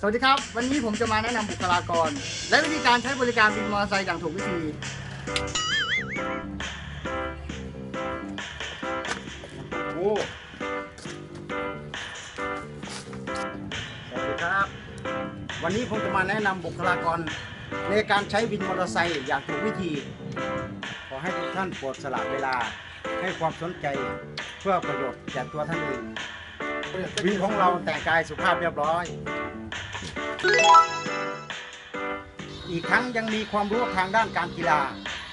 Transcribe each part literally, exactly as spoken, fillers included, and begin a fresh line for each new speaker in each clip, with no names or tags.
วัสดีครับวันนี้ผมจะมาแนะนำบุคลากรและวิธีการใช้บริการวินมอเตอร์ไซค์อย่างถูกวิธีโอ้สวัสดีครับวันนี้ผมจะมาแนะนำบุคลากรในการใช้วินมอเตอร์ไซค์อย่างถูกวิธีขอให้ทุกท่านโปรดสละเวลาให้ความสนใจเพื่อประโยชน์แก่ตัวท่านเองวินของเราแต่งกายสุภาพเรียบร้อยอีกทั้งยังมีความรู้ทางด้านการกีฬา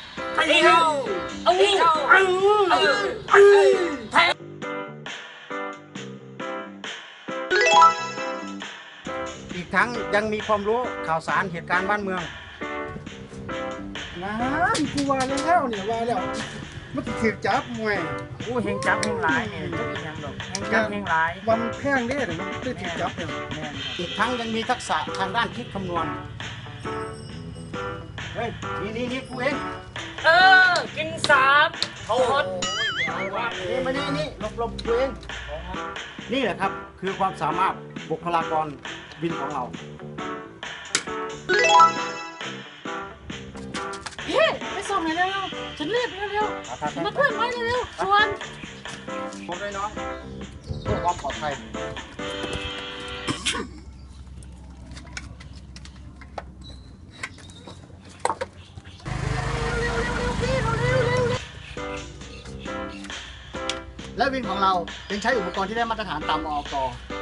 อีกทั้งยังมีความรู้ข่าวสารเหตุการณ์บ้านเมืองนะกูว่าแล้วเนี่ยว่าแล้วมันถือจับมวย
อู้เฮงจับเฮงหลายเนี่ยจะเป็นยังดอกเฮงจับเฮงหลาย
วันแพงเด้อมันได้ถือจับเนี่ยอีกทั้งยังมีทักษะทางด้านคิดคำนวณเฮ้ยนี่นี่นี่กูเอง
เออกินสามเขาฮอต
นี่มานี่นี่หลบหลบกูเองนี่แหละครับคือความสามารถบุคลากรวินของเรา
เฮ้ไปส่งหน่อยเร็วฉันเรียกเร็วๆมาเพื่อนมาเร็วๆชวน
ผมด้วยน้องเพื่อความปลอดภัยและวินของเรายังใช้อุปกรณ์ที่ได้มาตรฐานตามออก.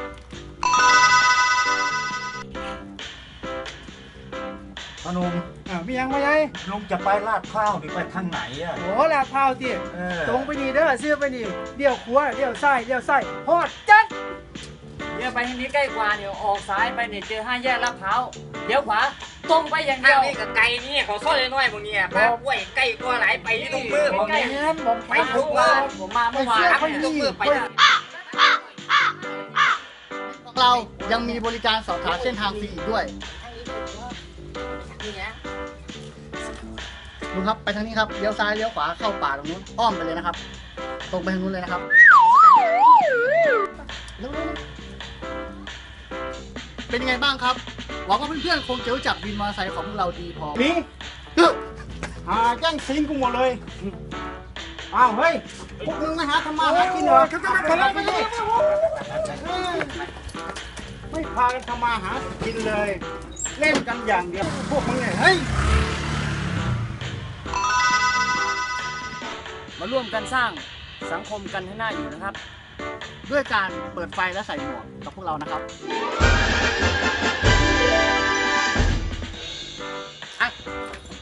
พนมอ่ามียังไงยัย
ลุงจะไปลาดข้าวหรือไปทางไหนอ่ะ
โอ้ลาดข้าวสิตรงไปดีเด้อเสื้อไปดีเดี่ยวขวาเดี่ยวซ้ายเดี่ยวซ้ายฮอดจัด
เดี๋ยวไปทางนี้ใกล้กว่าเดี๋ยวออกซ้ายไปเนี่ยเจอห้าแยกลาดพร้าวเดี๋ยวขวาตรงไปอย่างเดียว
นี่กับไก่นี่เขาซ่อนน้อยๆพวกนี้ป้าป่วยไก่กว่าหลายไปทุกมือผมเนี่ย
ไปทุกมือผมมาเมื่อวาน
ทุกมือไป
เรายังมีบริการสอบถามเส้นทางฟรีอีกด้วยลุงครับไปทางนี้ครับเลี้ยวซ้ายเลี้ยวขวาเข้าป่าตรงนู้นอ้อมไปเลยนะครับตรงไปทางนู้นเลยนะครับเป็นยังไงบ้างครับหวังว่าเพื่อนๆคงจะรู้จักวินมอเตอร์ไซค์ของพวกเราดีพอนี่หาแย่งซิงกูหมดเลยอ้าวเฮ้ยพวกมึงมาหาทำมาหากินเหรอไปเลยไม่พากันทำมาหากินเลยเล่นกันอย่างเดียวพวกมึงเนี่ยเฮ้ย
มาร่วมกันสร้างสังคมกันให้น่าอยู่นะครับ
ด้วยการเปิดไฟและใส่หมวกกับพวกเรานะครับอ่ะ